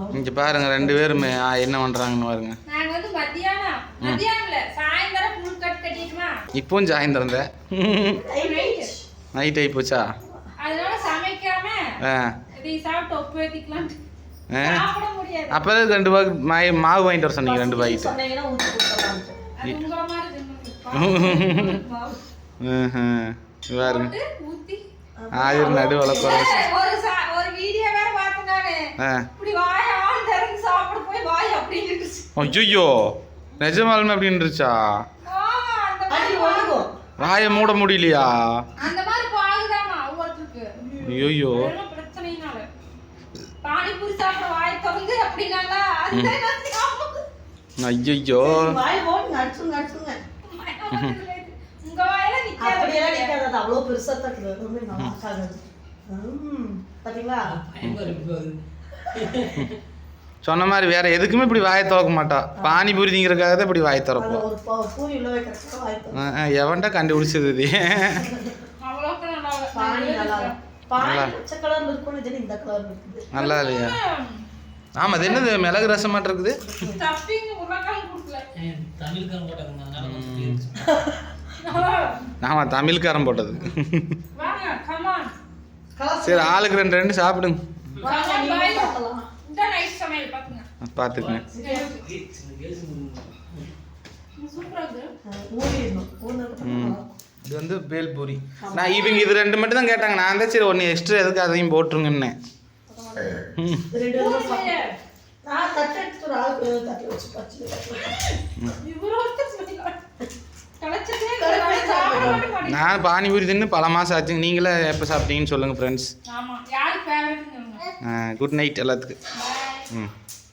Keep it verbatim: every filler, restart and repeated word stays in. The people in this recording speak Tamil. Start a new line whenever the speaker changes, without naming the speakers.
இங்கே பாருங்க ரெண்டு பேருமே என்ன பண்ணுறாங்கன்னு பாருங்க.
நாங்கள் வந்து மத்தியானம் மத்தியானம் இல்லை சாயந்தரம் ஃபுல் கட் கட்டிட்டுமா.
இப்போவும் சாயந்தரம் தான் நைட் ஆகி போச்சா?
அதனால சமைக்காம
ஆ
இதை சாப்பிட்டு ஒப்பு ஏற்றிக்கலாம். சாப்பிட முடியாது.
அப்போ ரெண்டு பாக்கு மாய் மாவு வாங்கிட்டு வர சொன்னீங்க ரெண்டு பாக்கெட்டு.
அது உங்கள மாதிரி தின்னு
பாருங்க
ஊற்றி
ஆயிரம் நடு வளர்க்குற
ஒரு ஒரு வீடியோ வேற பார்த்தேன் நானு. இப்படி வாய் ஆள் திறந்து சாப்பிட போய் வாய் அப்படின்னு இருந்துச்சு.
ஐயோ நிஜமாலுமே அப்படின்னு இருந்துச்சா?
ஆமா அந்த மாதிரி வாங்கும்.
வாயை மூட முடியலையா?
அந்த மாதிரி பாகுதாமா ஒவ்வொருத்தருக்கு.
ஐயோ
பிரச்சனைனால பானிபூரி சாப்பிட வாய் திறந்து அப்படினால அதுதான் நான் சாப்பிடுறேன்.
ஐயோ
வாய் போடு நட்சுங்க நட்சுங்க.
உங்க வாயில நிக்காத.
அப்படியே நிக்காத அவ்வளோ பெருசா தக்குது. ரொம்ப நல்லா இருக்காது. ம் பாத்தீங்களா?
சொன்ன மாதிரி வேற எதுக்குமே இப்படி வாயை திறக்க மாட்டா. பானிபூரி திங்கிறதுக்காக தான் இப்படி வாயை திறப்போம்.
ஒரு பூரி உள்ள வைக்கிறதுக்கு வாய் திறப்போம்.
எவன்டா கண்டுபிடிச்சது இது?
அவ்வளோக்கு நல்லா
பானி நல்லா பானி பச்சை கலர்ல இருக்கும். இது இந்த கலர்ல இருக்குது. நல்லா
இல்லையா? ஆமா அது என்னது மிளகு ரசம் மாட்ட இருக்குது.
ஸ்டஃபிங் உருளைக்கிழங்கு கொடுக்கல.
தமிழ்காரன் போட்டாங்க.
ஆமா தமிழ்காரன் போட்டது.
வாங்க கம் ஆன்.
சரி ஆளுக்கு ரெண்டு ரெண்டு சாப்பிடுங்க.
இந்த நைஸ் சமையல் பாத்துங்க.
பாத்துக்கங்க.
சூப்பரா இருக்கு.
ஊறிடணும். ஊறினதுக்கு
இது வந்து பேல்பூரி. நான் இவங்க இது ரெண்டு மட்டும் தான் கேட்டாங்க. நான் தான் சரி ஒன்று எக்ஸ்ட்ரா எதுக்கு அதையும் போட்டுருங்கன்னு.
ரெண்டு நான் தட்டு எடுத்து ஒரு ஆளுக்கு தட்டி வச்சு பச்சு
இவ்வளோ கலச்சதே.
நான் பானிபூரி தின்னு பல மாதம் ஆச்சுங்க. நீங்களே எப்போ சாப்பிட்டீங்கன்னு சொல்லுங்கள் ஃப்ரெண்ட்ஸ்.
ஆமாம் யாருக்கு ஃபேவரட்னு சொல்லுங்கள்.
குட் நைட் எல்லாத்துக்கும். ம்